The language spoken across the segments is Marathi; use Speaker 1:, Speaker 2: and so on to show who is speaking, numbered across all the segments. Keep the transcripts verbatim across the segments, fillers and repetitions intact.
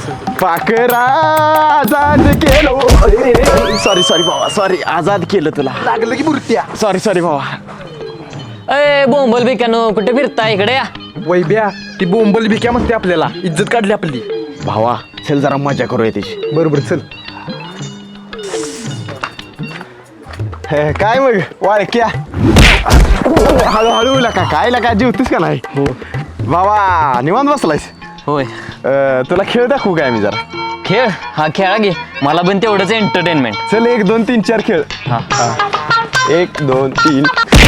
Speaker 1: पाखरा आजाद केलं. सॉरी सॉरी भावा सॉरी आजाद केलं तुला.
Speaker 2: लागलं की मूर्त्या.
Speaker 1: सॉरी सॉरी भावा.
Speaker 3: अय बोंबल बिकानो कुठे फिरता इकडे या.
Speaker 2: वैब्या ती बोंबल भिक्या म्हणते आपल्याला इज्जत काढली आपली.
Speaker 1: भावा चल जरा मजा करूया त्याची.
Speaker 2: बरोबर चल.
Speaker 1: हे, काय मग वाळक्या हळूहळू लका काय लका जेवतीस का नाही. हो भावा निवांत बसलायस.
Speaker 3: होय
Speaker 1: अं, तुला खेळ दाखवू काय मी जरा.
Speaker 3: खेळ हा खेळा घे मला पण तेवढंच एंटरटेनमेंट.
Speaker 1: चल एक दोन तीन चार खेळ.
Speaker 3: हा
Speaker 1: एक दोन तीन.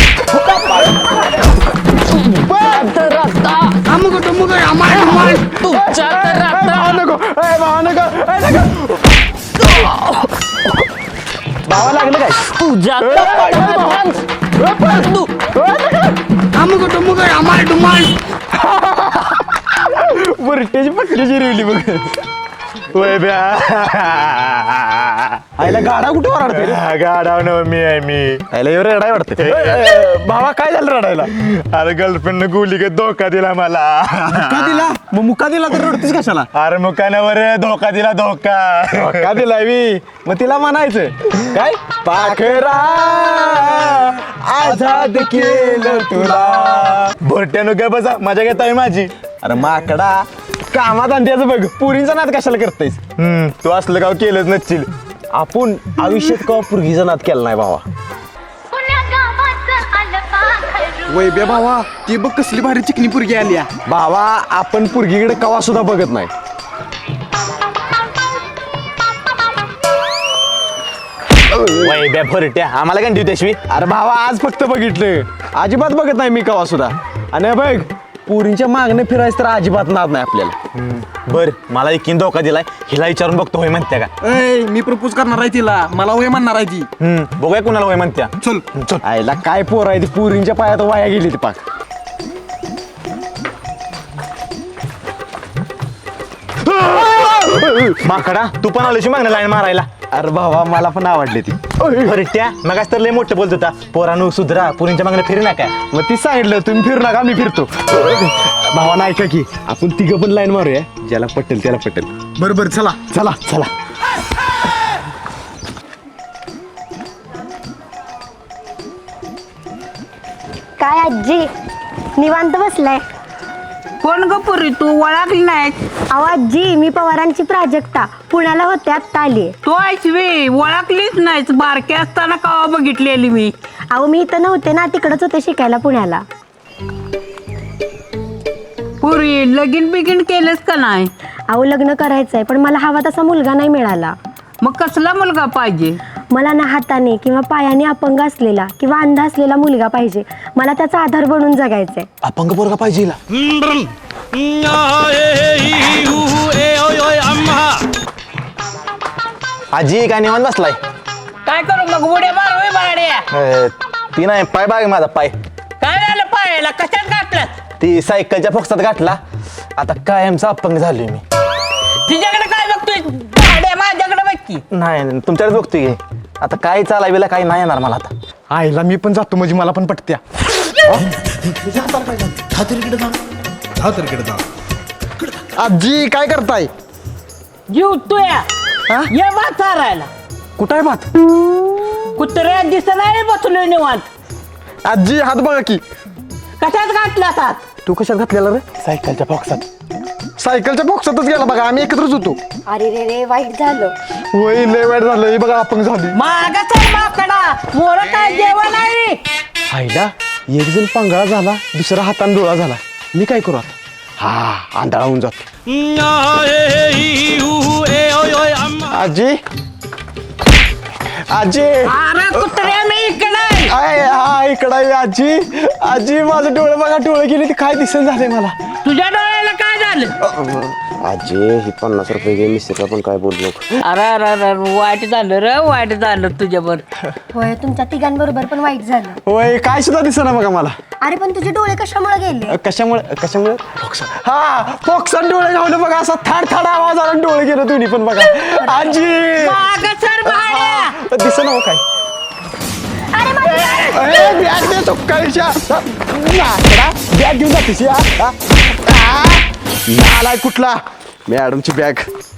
Speaker 3: तुमच्या तर रात्र
Speaker 1: भावा नको ए, भावा नको ए, नको. भावा लागलं काय.
Speaker 3: तुझ्या
Speaker 1: बुरट्याची पत्रीची रिवली बघ. वय ब्या आईला गाडा कुठे वराडते रे?
Speaker 2: गाडाव न मी आहे मी.
Speaker 1: आईला एवढं रडाय वाटतं. भावा काय झालं रडायला.
Speaker 2: अरे गर्लफ्रेंड गोली का धोका दिला मला.
Speaker 1: मुका दिला मग मुका दिला तर रडतीस कशाला.
Speaker 2: अरे मुकानावर धोका दिला धोका.
Speaker 1: का दिला मी मग तिला म्हणायचं काय पाखरा आजाद केलं तुला.
Speaker 2: भोरट्यानो काय बसा मजा घेत आहे माझी.
Speaker 1: अरे माकडा कामात आणत्याचं बघ पुरींचा नाद कशाला करतायस.
Speaker 2: हम्म तू असलं गाव केलंच नसशील.
Speaker 1: आपण आयुष्यात का पुरगीचा नाद केला नाही भावा.
Speaker 2: वैब्या भावा ती बघ कसली भारी चिकनी पुरगी आली.
Speaker 1: भावा आपण पुरगीकडे कवा सुद्धा बघत नाही.
Speaker 2: वैब्या भोरट्या आम्हाला काय देऊ.
Speaker 1: अरे भावा आज फक्त बघितलं अजिबात बघत नाही मी कवा सुद्धा. आणि बघ पुरींच्या मागणे फिरायचं तर अजिबात नाद नाही आपल्याला.
Speaker 2: बर मला एकीन धोका दिलाय हिला विचारून बघतो होय म्हणत्या का.
Speaker 4: मी प्रपोज करणार आहे तिला मला वय म्हणणार आहे ती.
Speaker 2: हम्म बघूया कुणाला होय म्हणत्या.
Speaker 4: चल
Speaker 2: चल.
Speaker 1: आईला काय पोर आहे ती पुरींच्या पायात वाया गेली ती पाक.
Speaker 2: माकडा तू पण आलोशी मागणं लाईन मारायला.
Speaker 1: अरे भावा मला पण आवडली ती.
Speaker 2: भरट्या मग तर लय मोठं बोलत होता पोरानू सुधरा पुरींच्या मागणं फिरू नका.
Speaker 1: मग ती सांगितलं तुम्ही फिरू नका मी फिरतो. भावा नाही का की आपण तिघं पण लाईन मारूया ज्याला पटेल त्याला पटेल.
Speaker 4: बरोबर चला.
Speaker 1: चला चला.
Speaker 5: काय आजी निवांत बसलाय.
Speaker 6: कोण ग पुरी तू ओळखली नाही.
Speaker 5: अहो आजी मी पवारांची प्राजक्ता पुण्याला होते आत्ता आली.
Speaker 6: तू ऐकवी ओळखलीच नाहीस बारकी असताना कवा बघितलेली मी.
Speaker 5: अहो मी इथं नव्हते ना तिकडच होते शिकायला पुण्याला.
Speaker 6: पुरी लगीन बिगीन केलेस का नाही.
Speaker 5: अहो लग्न करायचंय पण मला हवा तसा मुलगा नाही मिळाला.
Speaker 6: मग कसला मुलगा पाहिजे.
Speaker 5: मला ना हाताने किंवा पायाने अपंग असलेला किंवा अंध असलेला मुलगा पाहिजे. मला त्याचा आधार बनून जगायचंय.
Speaker 2: अपंग पोरगा पाहिजे हिला. आजी काय निवांत बसलाय.
Speaker 6: काय करू मग उड्या मारू बाड्या.
Speaker 2: अं, ती नाही पाय बाग माझा पाय.
Speaker 6: काय झालं पायाला कशात घातलास.
Speaker 2: ती सायकलच्या फोक्सात गाठला आता कायमचा अपंग झालोय मी.
Speaker 6: तिच्याकडे काय बघतोय बाड्या माझ्याकडे बघ की.
Speaker 2: नाही तुमच्याकडे बघतोय की. आता काय चालायला काही नाही येणार मला आता.
Speaker 1: आईला मी पण जातो म्हणजे मला पण पटत्या. आजी काय करताय.
Speaker 6: जीव तुया ये भात चारायला.
Speaker 1: कुठं आहे भात.
Speaker 6: कुत्र्या दिसत नाही बसलोय निवांत.
Speaker 1: आजी हात बघा की.
Speaker 6: कशात घातलास हात.
Speaker 1: तू कशात घातलेला रे.
Speaker 2: सायकलच्या फोक्सात.
Speaker 1: सायकलच्या बॉक्सातच गेला बघा आम्ही एकत्रच होतो.
Speaker 5: अरे रे रे वाईट झालं.
Speaker 1: वय लय वाईट झालं हे बघा अपंग झाली.
Speaker 6: मागच आहे माकडा मोर काय जेवण आहे.
Speaker 1: आईला एक जण पांगळा झाला दुसरा हातान डोळा झाला. मी काय करू आता. हा आंधळा होऊन जातो. आजी आजी
Speaker 6: अरे कुत्र्या मी इकडे.
Speaker 1: आय हा इकडं आहे आजी. आजी माझं डोळे बघा डोळे गेले ते काय दिसन झालंय मला.
Speaker 6: तुझ्या डोळ्याला काय झालं.
Speaker 1: आजी ही पन्नास रुपये घे मिस्त्रीला पण काय बोललो.
Speaker 6: अरे अरे अरे वाईट झालं रे वाईट झालं तुझ्यावर.
Speaker 5: होय तुमच्या तिघांबरोबर पण वाईट झालं.
Speaker 1: होय काय सुद्धा दिसेना बघा मला.
Speaker 5: अरे पण तुझे डोळे कशामुळे गेले.
Speaker 1: कशामुळे कशामुळे हा फोक्सात डोळे घावलं बघा असा थाड थाड आवाज आला आणि डोळे गेलं तुम्ही पण बघा. आजी
Speaker 6: मागं सर भाड्या.
Speaker 1: दिसेना हो काय.
Speaker 5: अरे माझी-
Speaker 1: अरे बॅग दे चुक्काळीच्या बॅग घेऊन जातीस या. नालाय कुठला मॅडमची बॅग.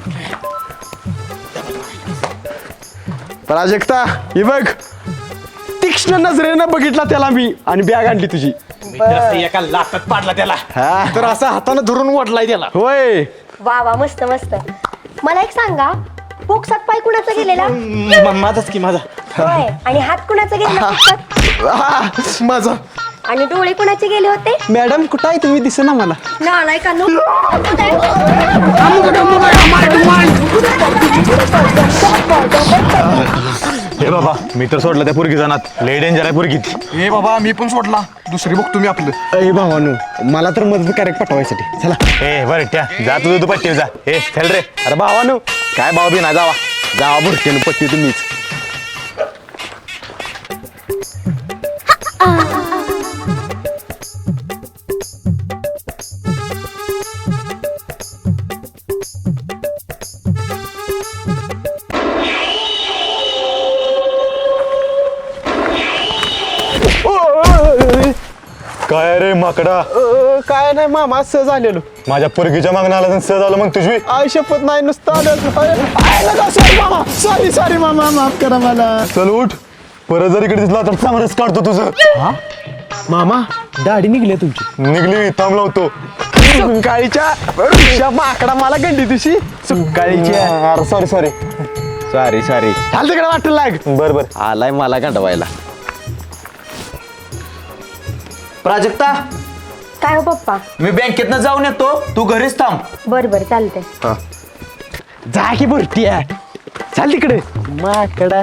Speaker 1: प्राजक्ता ही बघ, तीक्ष्ण नजरेनं बघितला त्याला मी आणि बॅग आणली तुझी.
Speaker 2: एका लाटात पाडला त्याला.
Speaker 1: हा
Speaker 4: तर असं हातानं धरून वाटलाय त्याला.
Speaker 1: होय.
Speaker 5: वा वा मस्त मस्त. मला एक सांगा, पोक्सात पाय कुणाचा गेलेला?
Speaker 2: म- माझाच की माझा.
Speaker 5: होय. आणि हात कुणाचा गेलेला पोक्सात?
Speaker 1: हा, माझा.
Speaker 5: आणि डोळे कुणाचे गेले होते?
Speaker 1: मॅडम कुठं आहे तुम्ही, दिसे ना मला.
Speaker 5: नालाय का नो?
Speaker 2: हे बाबा मी तर सोडलं त्या पुरगी जाणार. लय डेंजर आहे पुरगी ती.
Speaker 4: हे बाबा मी पण सोडला, दुसरी बघतो मी आपलं.
Speaker 1: अरे भावानू, मला तर मदत करेक्ट पाठवायसाठी. चला.
Speaker 2: ए बरं त्या जा तुझं तू पट्टी जा. ए चल रे.
Speaker 1: अरे भावानू,
Speaker 2: काय भाऊ बी नाही जावा.
Speaker 1: जावा भरकेन पट्टी तुम्हीच.
Speaker 2: काय रे माकडा,
Speaker 1: अ, काय नाही मामा, सहज आलेलो.
Speaker 2: माझ्या पुरगीच्या मागणं आला सहज आलं मग तुझी.
Speaker 1: आय शपथ नाही, नुसतं आलं. सॉरी मामा, सॉरी सॉरी मामा, माफ करा मला.
Speaker 2: चल उठ, परत जर इकडे दिसला तर चांगलंच काढतो तुझं.
Speaker 1: मामा, दाढी निघली तुमची.
Speaker 2: निघली थांब लावतो.
Speaker 1: सुकाळीच्या माकडा मला गंडी तुझी. सुकाळीच्या.
Speaker 2: Sorry sorry.
Speaker 1: Sorry sorry. चाल तिकडे वाटलं लाग.
Speaker 2: बर बर.
Speaker 1: आलाय मला गंडवायला.
Speaker 7: प्राजक्ता,
Speaker 5: काय हो पप्पा?
Speaker 7: मी बँकेतनं जाऊन येतो, तू घरीच थांब.
Speaker 5: बर बर चालते.
Speaker 1: जा की भरती आहे. चाल तिकडे माकडा.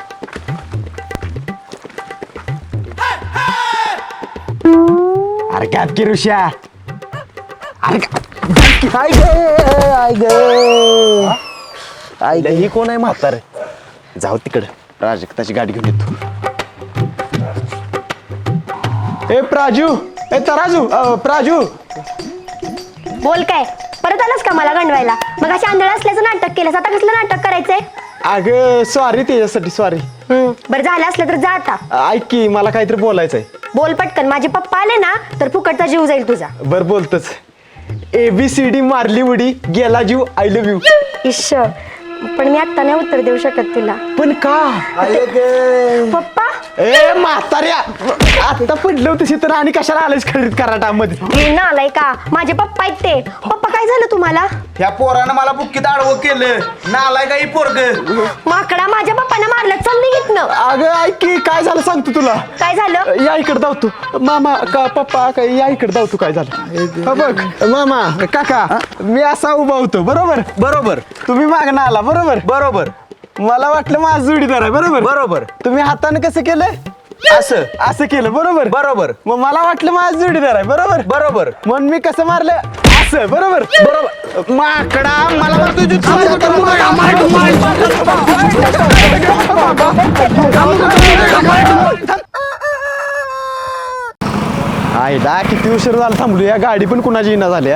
Speaker 1: अरे काय की ऋषा. अरे का- आय ग आय ग आय ग. ही कोण आहे म्हातार? जाऊ तिकडे, प्राजक्ताची गाडी घेऊन येतो. ए प्राजू, ए तराजू, अ, प्राजू.
Speaker 5: बोल काय, परत आलास का मला गंडवायला? मग अशी आंधळ असल्याचं नाटक केलंस, आता कसलं नाटक करायचंय?
Speaker 1: अगं सॉरी त्याच्यासाठी, सॉरी.
Speaker 5: हम्म, बरं झालं असलं तर जा आता.
Speaker 1: ऐक की, मला काहीतरी बोलायचंय.
Speaker 5: बोल पटकन, माझे पप्पा आले ना तर फुकटचा जीव जाईल तुझा.
Speaker 1: बर बोलतच. ए बी सी डी मारली उडी, गेला जीव, आय लव्ह यू.
Speaker 5: इश्श, पण मी आता नाही उत्तर देऊ शकत तुला.
Speaker 1: पण का?
Speaker 5: पप्पा,
Speaker 1: ए म्हाताऱ्या, आता पडलं तशी तर आणि कशाला आलेस खरीद कराटामध्ये?
Speaker 5: हे नालाय का, माझे पप्पा आहेत ते. पप्पा काय झालं तुम्हाला?
Speaker 7: ह्या पोरानं मला बुक्कीत आडवं केलं. नालाय काही पोरग.
Speaker 5: माकडा, माझ्या पप्पांना मारलं. चल निघितनं.
Speaker 1: अगं ऐक की, काय झालं सांगतो तुला.
Speaker 5: काय झालं?
Speaker 1: या इकडे धावतो. मामा का पप्पा काय, या इकडे धावतो. काय झालं हा बघ. मामा काका, मी असा उभा होतो बरोबर.
Speaker 7: बरोबर
Speaker 1: तुम्ही मागणं आला बरोबर.
Speaker 7: बरोबर
Speaker 1: मला वाटलं माझा जोडीदार आहे बरोबर.
Speaker 7: बरोबर.
Speaker 1: तुम्ही हाताने कसं केलं?
Speaker 7: असं
Speaker 1: असं केलं बरोबर.
Speaker 7: बरोबर
Speaker 1: मग मला वाटलं माझा जोडीदार आहे बरोबर.
Speaker 7: बरोबर.
Speaker 1: म्हणून मी कसं मारलं? असं बरोबर.
Speaker 7: बरोबर. माकडा, मला वाटतं तुझी
Speaker 1: आयला किती उशीर झाला थांबलो. या गाडी पण कुणाची येणं झाल्या.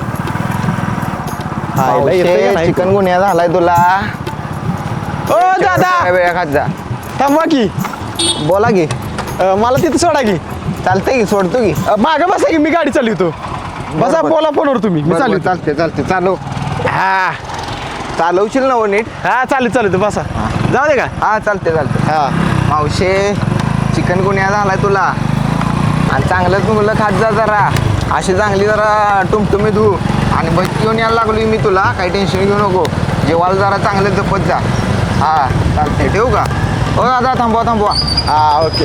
Speaker 1: आयला येतंय का नाही?
Speaker 2: चिकन गुन्हा झालाय तुला.
Speaker 1: ओ दादा,
Speaker 2: वेळा खात जा.
Speaker 1: थांबवा की.
Speaker 2: बोला की.
Speaker 1: अं, मला तिथं सोडा की.
Speaker 2: चालतंय की, सोडतो की.
Speaker 1: अं, मागं बसा की, मी गाडी चालवतो. बसा,
Speaker 2: बरं.
Speaker 1: बोला फोनवर तुम्ही. मी चालू
Speaker 2: चालते चालते चालव.
Speaker 1: हा
Speaker 2: चालवशील ना हो नीट.
Speaker 1: हा चालू चालू बसा. जाऊ दे का.
Speaker 2: हा चालते चालते.
Speaker 1: हा
Speaker 2: मावशे, चिकन गुन्हा झालाय तुला. आणि चांगलं तुला खात जा जरा. अशी चांगली जरा टुमटुमी धू. आणि बस घेऊन यायला लागलो मी तुला, काही टेन्शन घेऊ नको. जेवायला जरा चांगलं जपत जा. हा चालते, ठेवू का? हो दादा, थांबवा थांबवा.
Speaker 1: हा ओके.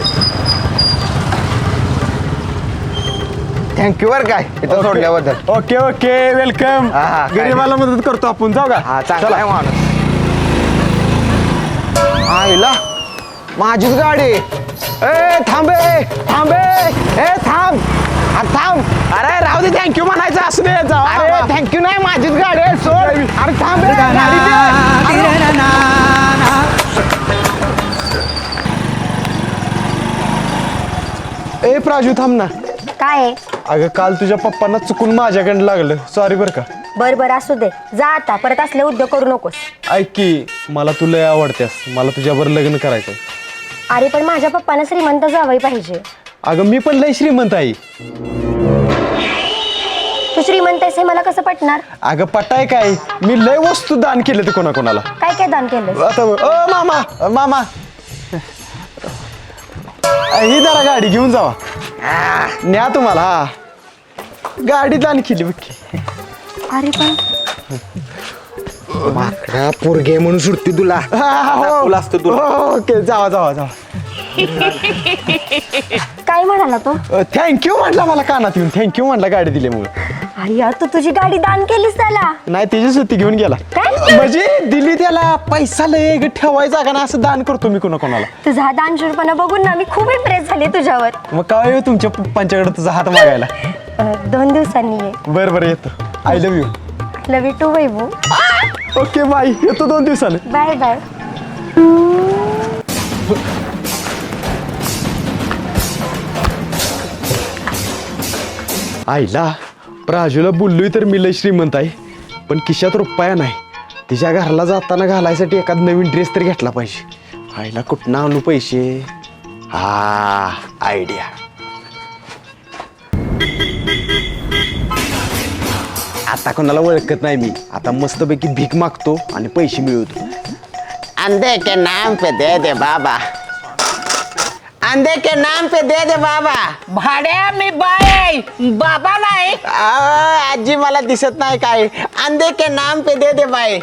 Speaker 2: थँक्यू बरं काय इथं सोडल्याबद्दल.
Speaker 1: Okay okay welcome.
Speaker 2: हा, हा, काय
Speaker 1: गरीबाला मदत करतो आपण. जाऊ का.
Speaker 2: हा चांगला
Speaker 1: चला.
Speaker 2: आहे माणूस. आईला माझीच गाडी.
Speaker 1: ए थांबे थांबे. ए थांब. हा, थांब. अरे राहू दे, थँक्यू म्हणायचं असू दे. जाऊ.
Speaker 2: अरे थँक्यू नाही, माझीच गाडी आहे, सोड.
Speaker 1: अरे थांब रे, गाडी दे. ए प्राजू थांब ना.
Speaker 5: काय आहे?
Speaker 1: अगं काल तुझ्या पप्पांना चुकून माझ्याकडे लागलं, सॉरी बरं का.
Speaker 5: बर बर असू दे, जा आता. परत असले उद्योग करू नकोस.
Speaker 1: ऐक की, मला तू लय आवडतेस. मला तुझ्यावर लग्न करायचंय.
Speaker 5: अरे पण माझ्या पप्पांना श्रीमंत जावई पाहिजे.
Speaker 1: अगं मी पण लय श्रीमंत आहे.
Speaker 5: तू श्रीमंत श्रीमंत आहेस हे मला कसं पटणार?
Speaker 1: अगं पटाय काय, मी लय वस्तू दान केले ते कोणाकोणाला.
Speaker 5: काय काय दान केलं?
Speaker 1: आता अ मामा अ, मामा ही जरा गाडी घेऊन जावा. न्या तुम्हाला. हा गाडी दान केली बघ की.
Speaker 5: अरे पण
Speaker 2: माकडा पोरगे म्हणून सुटते तुला.
Speaker 1: हा, हा, हो.
Speaker 2: तुला असतं तुला.
Speaker 1: हो, ओके जावा जावा जावा.
Speaker 5: काय म्हणाला तो?
Speaker 1: थँक्यू म्हटला मला कानात येऊन. थँक्यू म्हटला गाडी दिल्यामुळे.
Speaker 5: अरे यार तू तुझी गाडी दान केलीस त्याला?
Speaker 1: नाही त्याची सुट्टी घेऊन गेला.
Speaker 5: काय?
Speaker 1: म्हणजे दिली त्याला. पैसा लय ग, ठेवायचा का ना असं दान करतो मी कोणा कोणाला.
Speaker 5: तुझा हा दानशूरपणा बघून ना मी खूप इम्प्रेस झाले तुझ्यावर.
Speaker 1: मग काय येऊ तुमच्या पप्पांच्याकडे तुझा हात मागायला.
Speaker 5: अ, दोन दिवसांनी ये.
Speaker 1: बरं बरं येतो. I love you.
Speaker 5: Love you too Vaibhu.
Speaker 1: Okay bye. येतो दोन दिवसानं.
Speaker 5: Bye bye.
Speaker 1: आईला प्राजूला बोललोय तर मी लय श्रीमंत आहे, पण खिशात रुपया नाही. तिच्या घराला जाताना घालायसाठी एखाद नवीन ड्रेस तर घेतला पाहिजे. आईला कुठनं आणू पैसे? हा आयडिया. आता कोणाला ओळखत नाही मी. आता मस्तपैकी भीक मागतो आणि पैसे मिळवतो. अंधे के नाम पे दे दे बाबा, अंधे के नाम पे दे दे बाबा.
Speaker 6: भाड्या मी बाय आहे, बाबा नाही.
Speaker 1: आ, आजी मला दिसत नाही काय. अंधे के नाम पे दे दे बाई.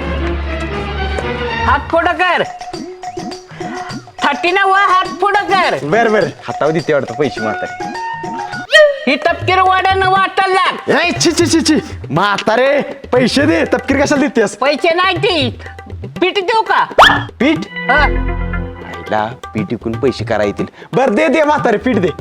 Speaker 6: हात पुढं कर. थर्टी ना व हात पुढं कर.
Speaker 1: बर बर हातावर देते वाटतं पैसे म्हातारे.
Speaker 6: ही तपकीर वाड्यानं वाटायला लाग.
Speaker 1: ए, छी छी छी छी म्हातारे पैसे दे. तपकीर कशाला देतेस?
Speaker 6: पैसे नाही ती पीठ देऊ का?
Speaker 1: पीठ?
Speaker 6: हा.
Speaker 1: आईला पीठ विकून पैसे करा येतील. बर दे दे म्हातारे पीठ दे.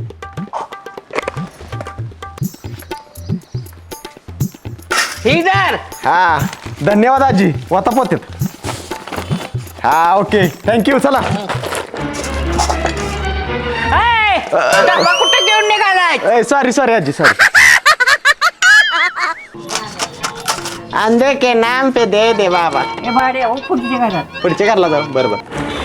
Speaker 6: ही धर.
Speaker 1: हा धन्यवाद आजी. वाता पोतेत. हा ओके थँक्यू. चला.
Speaker 6: ए, डबा कुठे घेऊन निघालाय?
Speaker 1: सॉरी सॉरी आजी सॉरी. अंधे के नाम पे दे दे बाबा.
Speaker 6: ए भाड्या पुढच्या घरात.
Speaker 1: पुढच्या घरला जाऊ. बरोबर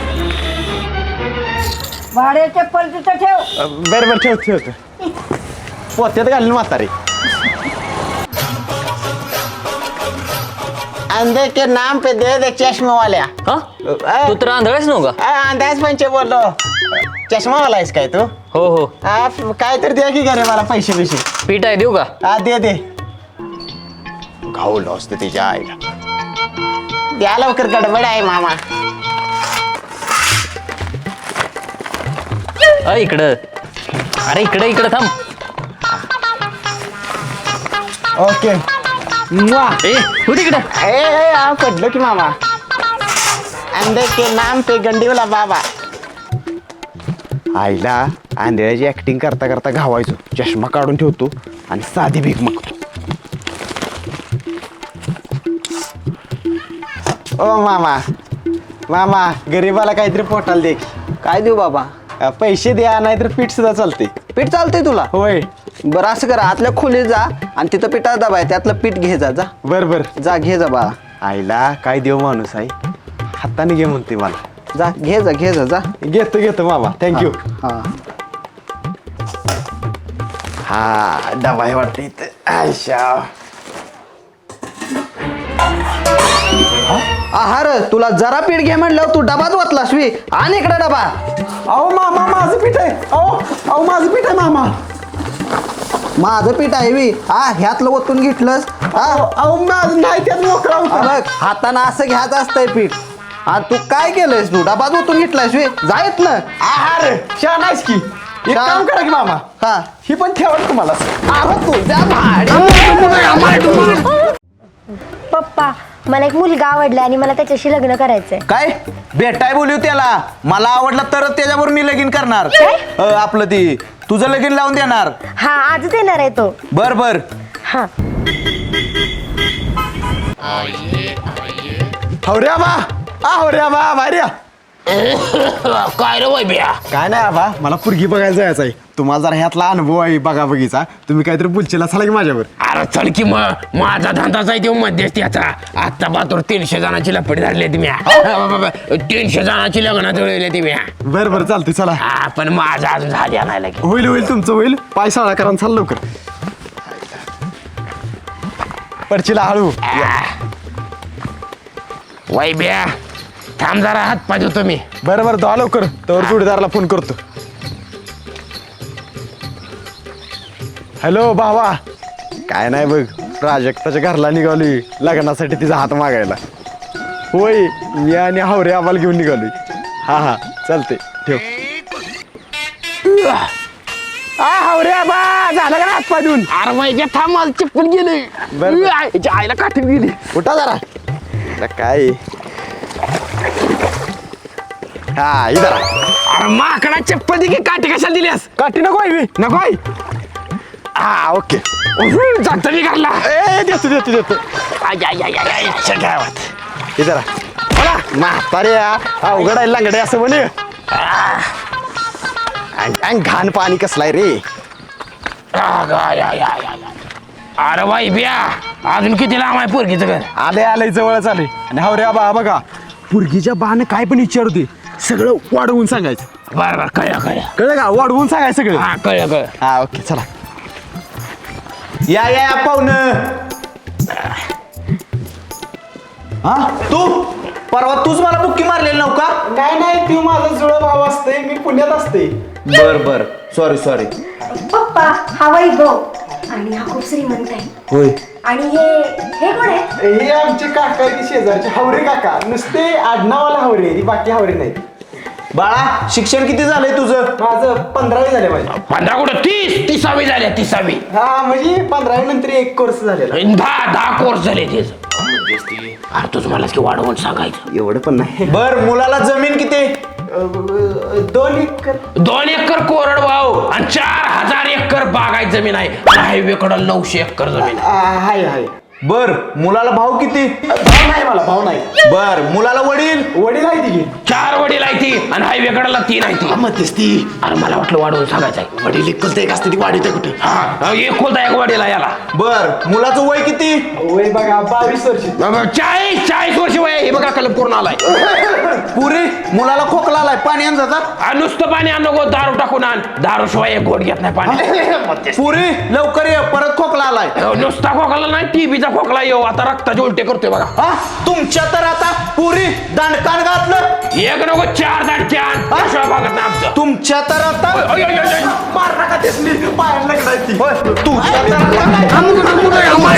Speaker 6: भाड्याचे चप्पल तिथं ठेव.
Speaker 1: बर बर ठेव ठेव. पोत्यात घालीन म्हातारे. अंधे के नाम पे दे दे चष्मा वाल्या.
Speaker 3: हा तू तर आंधळाच नव्हता.
Speaker 1: अंदाज पंचे बोललो. चष्मा वाला आहेस काय तू?
Speaker 3: हो हो.
Speaker 1: हा, काय तर द्या की घरी मला पैसे पैसे.
Speaker 3: पीठ आहे देऊ का?
Speaker 1: हा दे दे. घावलं असतं त्याच्या आईला. द्या लवकर गडबड आहे मामा.
Speaker 3: अ इकडं. अरे इकडं इकडं थांब.
Speaker 1: ओके.
Speaker 3: ए हो तिकडं.
Speaker 1: ए ए, हा, पडलो की मामा. अंधे के नाम पे गंडीवला बाबा. आईला आंधळ्याची ऍक्टिंग करता करता घावायचो. चष्मा काढून ठेवतो आणि साधी भीक मागतो. ओ मामा मामा गरीबाला काहीतरी पोटाला दे.
Speaker 2: काय देऊ बाबा?
Speaker 1: अ, पैसे द्या नाहीतर पीठ सुद्धा चालते.
Speaker 2: पीठ चालतंय तुला?
Speaker 1: होय.
Speaker 2: बरं असं करा, आतल्या खोलीत जा आणि तिथं पिठा डबा आहे त्यातलं पीठ घे जा. जा
Speaker 1: बर बर.
Speaker 2: जा घे जा बाळा.
Speaker 1: आईला काय देव माणूस आहे. हाताने घे म्हणते मला.
Speaker 2: जा घे जा घे जा जा.
Speaker 1: घेतो घेतो मामा. थँक्यू.
Speaker 2: हा
Speaker 1: हा डबा आहे वाटतं इथं. आयशा.
Speaker 2: आहार तुला जरा पीठ घे म्हणलं तू डबाच वाचलास वी. आणि इकडे डबा.
Speaker 1: अहो मामा माझं पीठ आहे. अहो अहो माझं पीठ आहे मामा.
Speaker 2: माझं पीठ आहे वी. हा ह्यातलं ओतून घेतलंस. हा
Speaker 1: अहो माझं नाही त्यात मोकळा
Speaker 2: हा
Speaker 1: होता.
Speaker 2: बघ हातानं असं घ्यायचं असतंय पीठ. हा तू काय केलंयस तू? डबाच ओतून घेतलायस वी. जा इथनं.
Speaker 1: आहार छान आहेस की. एक
Speaker 2: छान.
Speaker 1: काम करा की मामा.
Speaker 2: हा
Speaker 1: ही पण ठेवा तुम्हाला.
Speaker 2: अहो तुझ्या भाड्या.
Speaker 5: पप्पा मला एक मुलगा आवडला आणि मला त्याच्याशी लग्न करायचंय.
Speaker 2: काय भेटाय बोलू त्याला? मला आवडला तरच त्याच्यावर मी लगीन करणार. अ, आपलं ती तुझं लगीन लावून देणार.
Speaker 5: हा आजच येणार आहे तो.
Speaker 2: बर बर.
Speaker 5: हा
Speaker 1: हवऱ्या बा. आ हवऱ्या बा भार्या.
Speaker 6: काय रे वैभ्या?
Speaker 1: काय नाही आबा मला पुरगी बघायला जायचं आहे. तुम्हाला जरा ह्यातला अनुभव आहे बघा बघीचा. तुम्ही काहीतरी बोलचेला चला की माझ्यावर.
Speaker 8: अरे चल की मग माझा धंदाच आहे तो मध्यस्थीचा. आता बातूर तीनशे जणांची लपडी धरली तुम्ही. तीनशे जणांची लग्न जुळवली तुम्ही.
Speaker 1: बर बर चालते चला.
Speaker 8: हा पण माझा अजून झाल्या नाही लगे.
Speaker 1: होईल होईल तुमचं होईल. पाय साळा करा चाल लवकर. पडचिला हळू
Speaker 8: वैब्या थांब जरा हात पाय धुतो मी.
Speaker 1: बरं बरं दहा लवकर तर जोडीदाराला फोन करतो. हॅलो भावा, काय नाही बघ, प्राजक्ताच्या घरला निघालोय लग्नासाठी तिचा हात मागायला. होय, मी आणि हावरे आम्हाला घेऊन निघालोय. हा हा चालते ठेव.
Speaker 8: आ हावरे बा झालं का हात पाय धुवून? अरे वैब्या थांब मला चप्पल गेली.
Speaker 1: बरं, बरं.
Speaker 8: याच्या आईला काठी गेली.
Speaker 1: उठा जरा. आता काय हा इधर
Speaker 8: अरे माकडा चप्पल दे की, काठी कशाला दिल्यास?
Speaker 1: काठी नको आहे
Speaker 8: नको आहे?
Speaker 1: हा ओके.
Speaker 8: जातो मी घरला.
Speaker 1: ए देतो देतो देतो
Speaker 8: आय आय आय आय आय गावात.
Speaker 1: इधर बोला म्हातारे अवघड आहे लंगडे असं म्हणे. अंग घाण पाणी कसलाय रे.
Speaker 8: आग, आय, आय, आय, आय. अरे बाई बिया अजून किती लांब आहे पोरगीचं घर?
Speaker 1: आले आले जवळच आले. आणि हावरे आबा बघा पुरगीच्या बाने काय पण विचारते सगळं वाढवून सांगायचं.
Speaker 8: बरं बरं कळलं कळलं.
Speaker 1: कळलं का? वाढवून सांगायचं सगळं.
Speaker 8: हा कळलं कळलं.
Speaker 1: हा ओके चला.
Speaker 7: या या या पाहुणं. हा तू परवा तूच मला बुक्की मारलेली नव्ह का?
Speaker 1: नाही नाही तू माझा जुळा भाव असते, मी पुण्यात असते.
Speaker 7: बर बर सॉरी सॉरी.
Speaker 5: पप्पा हा वैभव आणि हा खूप श्रीमंत आहे.
Speaker 7: होय.
Speaker 5: आणि हे हे कोण आहे?
Speaker 1: हे आमचे काका आहे शेजारचे हावरे काका. नुसते आडनावाला हावरे, बाकी हावरे नाही.
Speaker 7: बाळा शिक्षण किती झालंय तुझं?
Speaker 1: माझं पंधरावी झाले माझे.
Speaker 8: पंधरा कुठं तीस तिसावी झाल्या तिसावी.
Speaker 1: हा म्हणजे पंधरावी नंतर एक कोर्स झालेला.
Speaker 8: दहा दहा कोर्स झाले तेच. अरे तुझं मला की वाढवून सांगायचं.
Speaker 1: एवढं पण नाही.
Speaker 7: बर मुलाला जमीन किती?
Speaker 1: दोन एकर.
Speaker 8: दोन एकर कोरड भाऊ आणि चार हजार एकर बागायत जमीन आहे. हायवे कडं नऊशे एकर जमीन आहे.
Speaker 1: आ, हाय हाय.
Speaker 7: बर मुलाला भाऊ किती?
Speaker 1: भाव नाही मला, भाव नाही.
Speaker 7: बर मुलाला वडील?
Speaker 1: वडील आहे तिघे.
Speaker 8: चार वडील आहे ती आणि हायवे कडाला तीन आहे ती.
Speaker 1: मग तेच ती.
Speaker 8: अरे मला वाटलं वाढवून सांगायचंय.
Speaker 1: वडील एकुलता एक असते ती वाढीत आहे कुठे.
Speaker 8: हा एक कोणता एक वडील आहे याला.
Speaker 7: बर मुलाचं वय किती?
Speaker 1: वय बघा बावीस वर्ष.
Speaker 8: चाळीस चाळीस वर्ष वय आहे. हे बघा कलम पूर्ण आलाय.
Speaker 7: पुरी मुलाला खोकला आलाय, पाणी आण जातात.
Speaker 8: आ, नुसतं पाणी आण नको, दारू टाकून आण. दारू शिवाय एक घोट घेत नाही पाणी.
Speaker 7: पुरी लवकर ये, परत खोकला आलाय.
Speaker 8: अहो, नुसता खोकला नाही, टीबीचा खोकला येऊ. आता रक्ताचे उलटे करतोय बघा.
Speaker 7: हा तुमच्या तर आता पुरी दांडकान घातलं.
Speaker 8: एक नको चार दाटक्यान शिवाय भागत नाही आमचं.
Speaker 7: तुमच्या तर आता
Speaker 8: ओय, ओय, ओय, ओय.
Speaker 1: मार नका तेसली पायाला लागलाय.
Speaker 7: होय, तुझ्या तर आता काय?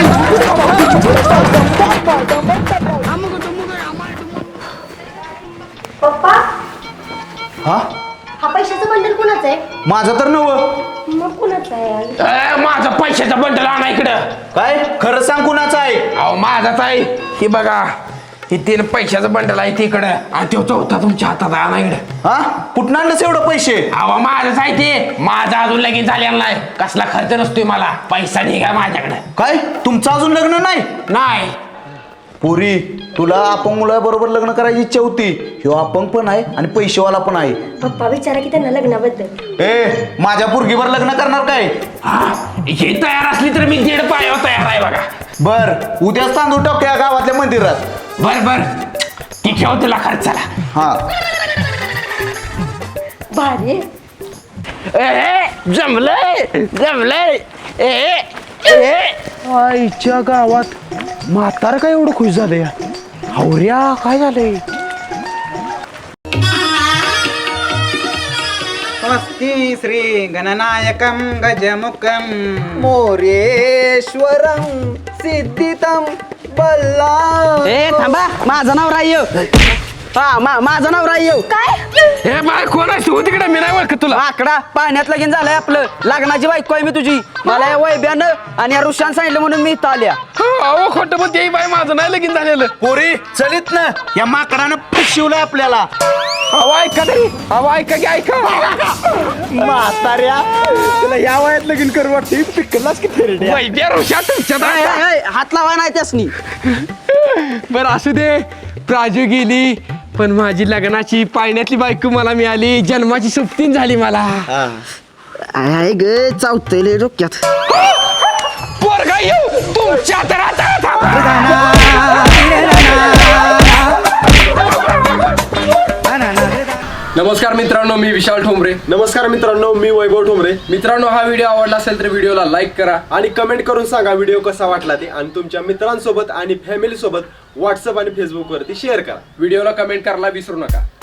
Speaker 5: पप्पा
Speaker 7: हा
Speaker 5: हा पैशाचं बंडल कुणाचं आहे?
Speaker 7: माझं तर नव.
Speaker 5: मग कुणाचं आहे?
Speaker 8: ए, माझा पैशाचा बंडल आणा इकडं.
Speaker 7: काय खरं सांग कुणाचं आहे?
Speaker 8: अहो माझाच आहे. ही बघा ही तीन पैशाचं बंडल आहे तिकडं आणि तो चौथा तुमच्या हातात आहे. आणा इकडं.
Speaker 7: हा कुठं आणलंस एवढं पैसे?
Speaker 8: अहो माझंच आहे ते. माझा अजून लगीन झालेला नाही. कसला खर्च नसतोय मला. पैसा निघा माझ्याकडे.
Speaker 7: काय तुमचं अजून लग्न नाही?
Speaker 8: नाही
Speaker 7: पुरी तुला अपंग मुलाबरोबर लग्न करायची इच्छा होती. ह्यो अपंग पण आहे आणि पैसेवाला पण आहे.
Speaker 5: पप्पा विचारा की त्यांना लग्नाबद्दल.
Speaker 7: ए माझ्या पुरगीवर लग्न करणार काय?
Speaker 8: हा हे तयार असली तर मी दीड पायावर तयार आहे बघा.
Speaker 7: बर उद्याच तांदूळ टाकूया गावातल्या मंदिरात.
Speaker 8: बर बर ती ठेव तुला खर्चाला.
Speaker 7: हा
Speaker 5: भारी.
Speaker 8: ए जमलंय जमलंय. ए ए
Speaker 1: आईच्या गावात म्हातारा काय एवढं खुश झालंय. हावऱ्या काय झालंय?
Speaker 2: स्वस्ति श्री गणनायकं गजमुखं
Speaker 7: मोरेश्वरम सिद्धितम बल्ला.
Speaker 2: ए थांबा माझं नाव राह्य. हा मा माझं नाव राह्य.
Speaker 5: काय?
Speaker 8: हे बाय कोण आहे तू तिकडे? मी नाही ओळखत तुला.
Speaker 2: आकडा पाण्यात लगीन झालंय आपलं. लग्नाची बायको आहे मी तुझी. मला या वैब्यानं आणि या ऋषान सांगितलं म्हणून मी इथं आल्या.
Speaker 8: अहो खोटं पण ते बाय माझं नाही लगीन झालेलं.
Speaker 7: पुरी चलित ना या माकडानं फसवलंय आपल्याला.
Speaker 8: अहो ऐका तरी. अहो ऐका की ऐका.
Speaker 1: म्हाताऱ्या तुला या वयात लगीन करू वाटते. पिकलाच की फेरड्या.
Speaker 8: वैद्य ऋषा तुमच्या
Speaker 2: ए, ए, ए, हात लावाय नाही त्यासनी.
Speaker 8: बरं असू दे. प्राजू गेली पण माझी लग्नाची पाळण्यातली बायको मला मिळाली. जन्माची सुप्तीन झाली मला.
Speaker 2: आहे ग चावतले डोक्यात.
Speaker 8: पोरगा येऊ तुमच्या तर आता
Speaker 9: नमस्कार मित्रांनो, मी विशाल ठोंबरे.
Speaker 1: नमस्कार मित्रांनो, मी वैभव ठोंबरे.
Speaker 9: मित्रांनो, हा व्हिडिओ आवडला असेल तर व्हिडिओला लाईक करा
Speaker 1: आणि कमेंट करून सांगा व्हिडिओ कसा वाटला ते, आणि तुमच्या मित्रांसोबत आणि फॅमिली सोबत व्हॉट्सअप आणि फेसबुक वरती शेअर करा.
Speaker 9: व्हिडिओला कमेंट करायला विसरू नका.